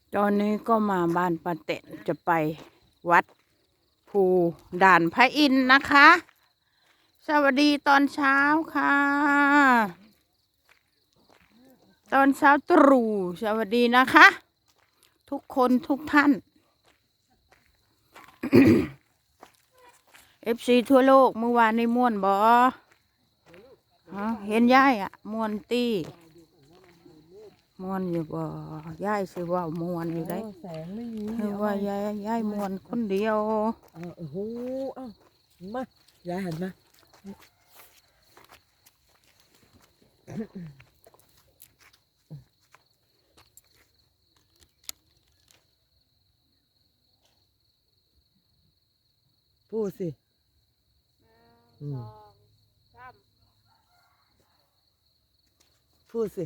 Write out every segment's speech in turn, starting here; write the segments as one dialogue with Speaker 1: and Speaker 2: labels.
Speaker 1: ตอนนี้ก็มาบ้านป้าเต็นจะไปวัดภูด่านพระอินทร์นะคะ สวัสดีตอนเช้าค่ะ ตอนเช้าตรู่สวัสดีนะคะ ทุกคนทุกท่าน FC ทั่วโลกเมื่อวานในม่วนบอเห็นย่ายอ่ะม่วนตี้ม่วนอยู่บ่ย่ายสิว่าม่วนอยู่ได้
Speaker 2: แสงไม่มี
Speaker 1: ให้ว่ายายม่วนคนเดียว
Speaker 2: โอ้โหมายายหันมาพูดสิพูดสิ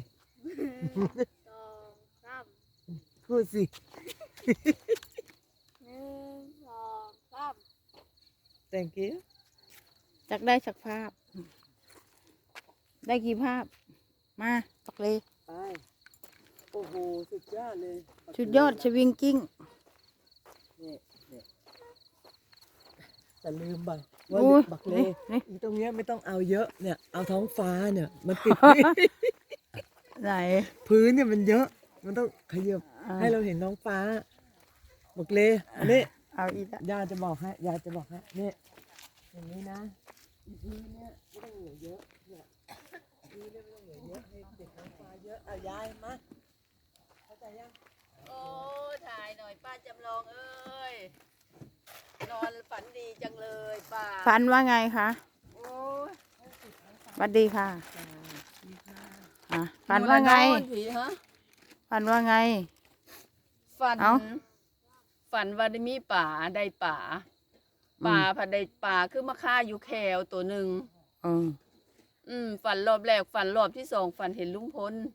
Speaker 2: พูดสิthank you
Speaker 1: จักได้สักภาพ ได้กี่ภาพ มาปักเลย
Speaker 2: ไปโอ้โหสุดยอดเลย
Speaker 1: ชุดยอดชวิงกิ้ง
Speaker 2: เนี่ยแต่ลืมบัว่าบักเล
Speaker 1: นี่
Speaker 2: อีตรงเนี้ยไม่ต้องเอาเยอะเนี่ยเอาท้องฟ้าเนี่ยมันติด
Speaker 1: ไหน
Speaker 2: พื้นเนี่ยมันเยอะมันต้องขยับ
Speaker 1: อ่า
Speaker 2: ให้เราเห็นท้องฟ้าบักเลอันนี้
Speaker 1: เอาอีกแล้ว
Speaker 2: ยาจะบอกให้ยาจะบอกให้เนี่ยอย่างนี้นะพื้นเนี่ยไม่ต้องเหลือเยอะเนี่ยพื้นเนี่ยไม่ต้องเหลือเยอะให้ติดท้องฟ้าเยอะเอายายมาเข้าใจยัง
Speaker 3: โอ้ถ่ายหน่อยป้าจำลองเอ้ยนอนฝันดีจังเลยป้า
Speaker 1: ฝันว่าไงคะ
Speaker 3: โอ้ย
Speaker 1: สวัสดีค่ะฝันว่าไง
Speaker 3: นอนผีฮะ
Speaker 1: ฝันว่าไง
Speaker 3: ฝัน
Speaker 1: เอ้า
Speaker 3: ฝันว่าได้มีป่าได้ป่าผัดได้ป่าคือมาฆ่าอยู่แควตัวหนึ่ง ฝันรอบแรกฝันรอบที่สองฝันเห็นลุงพล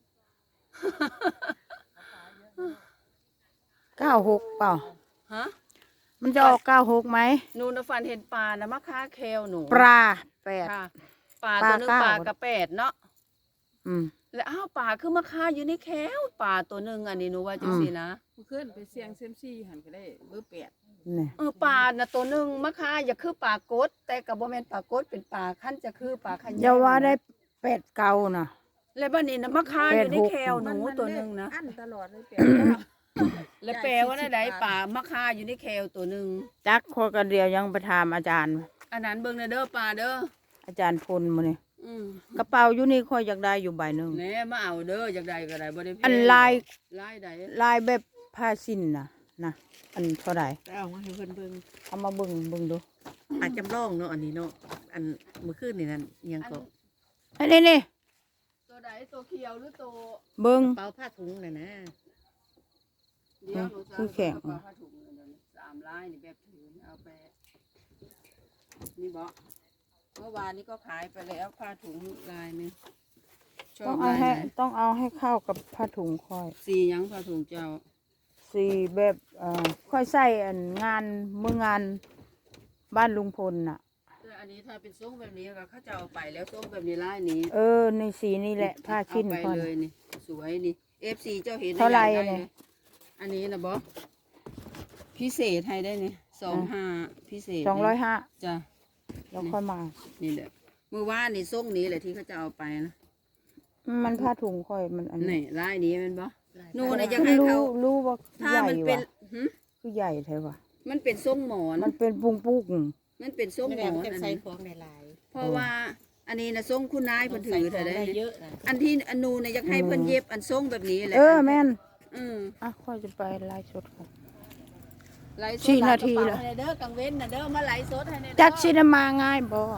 Speaker 1: 96เปล่า
Speaker 3: ฮะ
Speaker 1: มันจะออก96ไหม
Speaker 3: หนูนะฝันเห็นป่านะมาฆ่าแควหนู
Speaker 1: ปลา8
Speaker 3: ค่ะป่าตัวหนึง
Speaker 1: ปลา
Speaker 3: ป่า
Speaker 1: เก้า
Speaker 3: กระแปดเนาะ
Speaker 1: อืม
Speaker 3: แล้วอ้าวป่าคือมาฆ่าอยู่ในแควป่าตัวหนึ่งอันนี้หนูว่าจังสินะ
Speaker 4: ขึ้นไปเสียงเซมซี่หันก็ได้เบอร์แปด
Speaker 1: นี่
Speaker 3: ปลาน่ะตัวหนึ่งมะค่าอย่าคือปลากดแต่กับบ่แม่นปลากดเป็นปลาขั้นจะคือปลาขัน
Speaker 1: อย่าว่าได้8เก่านะ
Speaker 3: แล้วบ้านนี้นะมะค่าอยู่ในแควหนูตัวหนึ่งนะ
Speaker 4: อันตลอดเลยแปด
Speaker 3: แล้วแปลว่าได้ใดปลามะค่าอยู่ในแควตัวหนึ่ง
Speaker 1: จักคนกันเดียวยังไปถามอาจารย์
Speaker 3: อันนั้นเบิ่งนะเด้อปลาเด้อ
Speaker 1: อาจารย์พลมาเนี่ย
Speaker 3: อืม
Speaker 1: กระเป๋าอยู่นี่ค่อยอยากได้อยู่ใบหนึ่ง
Speaker 3: แหน่มาเอาเด้ออยากได้ก็ได้บ่ได้แพง
Speaker 1: อันลาย
Speaker 3: ลายใด
Speaker 1: ลายแบบผ้าสิ้นนะอันเท่าไหร่
Speaker 4: เอามาให้เพิ่นเบิ่ง
Speaker 1: เอามาเบิ่งดู
Speaker 4: อาจจำลองเนาะอันนี้เนาะอันเมื่อคืนนี่นั่นยังก็
Speaker 1: อันนี้นี่
Speaker 3: ตัวใดตัวเขียวหรือตัว
Speaker 1: เบิ่ง
Speaker 4: เป่าผ้าถุงน่ะนะ
Speaker 3: เดียวหนูจะ
Speaker 1: คือแข็ง
Speaker 3: เอาผ้าถุงเดี๋ยวนี้3ลายนี่แบบถือเอาไปนี่บ่เมื่อวานนี้ก็ขายไปแล้วผ้าถุงลายหนึงชอ
Speaker 1: ต้อบ งเอา
Speaker 3: ลาย
Speaker 1: ให้
Speaker 3: ไหน
Speaker 1: ต้องเอาให้เข้ากับผ้าถุงค่อย
Speaker 3: สีหยังผ้าถุงเจ้า
Speaker 1: สีแบบค่อยใส่อันงานมืองานบ้านลุงพลน่ะ
Speaker 3: แต่อันนี้ถ้าเป็นทรงแบบนี้ก็เขาจะเอาไปแล้วทรงแบบนี้ลายนี้
Speaker 1: ในสีนี่แหละผ้าชิ้น
Speaker 3: เอาไป
Speaker 1: ค่อย
Speaker 3: เลยนี่สวยนี่ FC เจ้าเห็น
Speaker 1: เท่าไหร่
Speaker 3: อยกด้
Speaker 1: เนี่ย
Speaker 3: อันนี้นะบอพิเศษให้ได้นี่25พิเศษ
Speaker 1: 250
Speaker 3: จ้ะ
Speaker 1: แล้วค่อยมา
Speaker 3: นี่แหละเมื่อวานนี่ทรงนี้แหละที่เขาจะเอาไปนะ
Speaker 1: มันผ้าถุงค่อยมันอัน
Speaker 3: นี่ลายนี้แมันบอนู่นน่ะอยากให้เขา
Speaker 1: รู้ว่า
Speaker 3: ถ้า
Speaker 1: ใหญ่
Speaker 3: มันเป็น
Speaker 1: ว่ะ
Speaker 3: หึ
Speaker 1: คือใหญ่แท้ว่ะ
Speaker 3: มันเป็นทรงหมอน
Speaker 1: มันเป็นปุ้งปุ้ง
Speaker 3: มันเป็นทรงหมอนอัน
Speaker 4: ใส่
Speaker 3: นี้
Speaker 4: ของในลาย
Speaker 3: เพราะว่าอันนี้นะทรงคุณนายเพิ่นถือเธอได้
Speaker 4: ได้
Speaker 3: นี่
Speaker 4: เยอะนะ
Speaker 3: อันที่อันนูเนี่ยอยากให้เพิ่นเย็บอันทรงแบบนี้แหละ
Speaker 1: แม่น
Speaker 3: อืม
Speaker 1: ค่อยจะไปไลฟ์สดก่อน
Speaker 3: ไลฟ์สด
Speaker 1: 4นาที
Speaker 3: ห
Speaker 1: แล้
Speaker 3: แล้ว วเด้อกังเว้นนะเด้อมาไลฟ์สดให้ในเด้อ
Speaker 1: จักสิได้มาง่ายบ่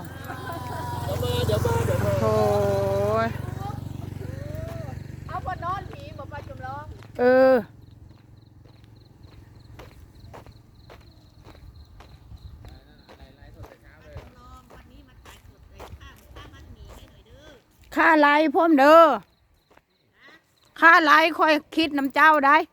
Speaker 1: โอ้ย
Speaker 3: เอาบ่นอนผีบ่ปลาจำลอง
Speaker 1: เออค่าไลฟ์พ่อมเด้อค่าไลฟ์ค่อยคิดน้ำเจ้าได้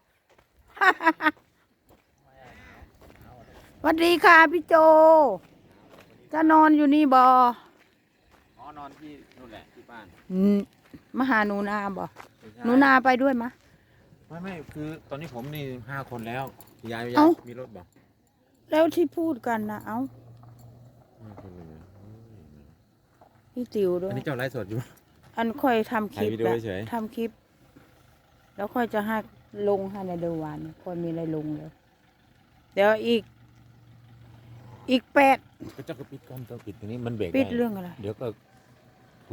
Speaker 1: สวัสดีค่ะพี่โจ จะนอนอยู่นี่บ
Speaker 5: นอนที่นู่นแหละที่บ้าน
Speaker 1: มาหาหนูนาบ่หนูนาไปด้วยมะ
Speaker 5: ไม่คือตอนนี้ผมนี่5 คนแล้วยาย
Speaker 1: เอ้า
Speaker 5: มีรถบอก
Speaker 1: แล้วที่พูดกันนะเอ้า
Speaker 5: 5 คนเลยนะ
Speaker 1: พี่ติวด้ว
Speaker 5: อั
Speaker 1: ย
Speaker 5: นนี้เจ้าไลฟ์สดอยู่
Speaker 1: อันค่อยทำคลิป
Speaker 5: ถ่ายวิดีโอ
Speaker 1: แล้ว
Speaker 5: เฉย
Speaker 1: ทำคลิป แล้วค่อยจะให้ลงให้ในเดือนวันค่อยมีอะไรลงเลยเดี๋ยวอีก8
Speaker 5: ก็เจ้าก็ปิดก่อนเจ้าปิดตรงนี้มันเบรก
Speaker 1: ปิด
Speaker 5: ได้
Speaker 1: เรื่องอะไร
Speaker 5: เดี๋ยวก็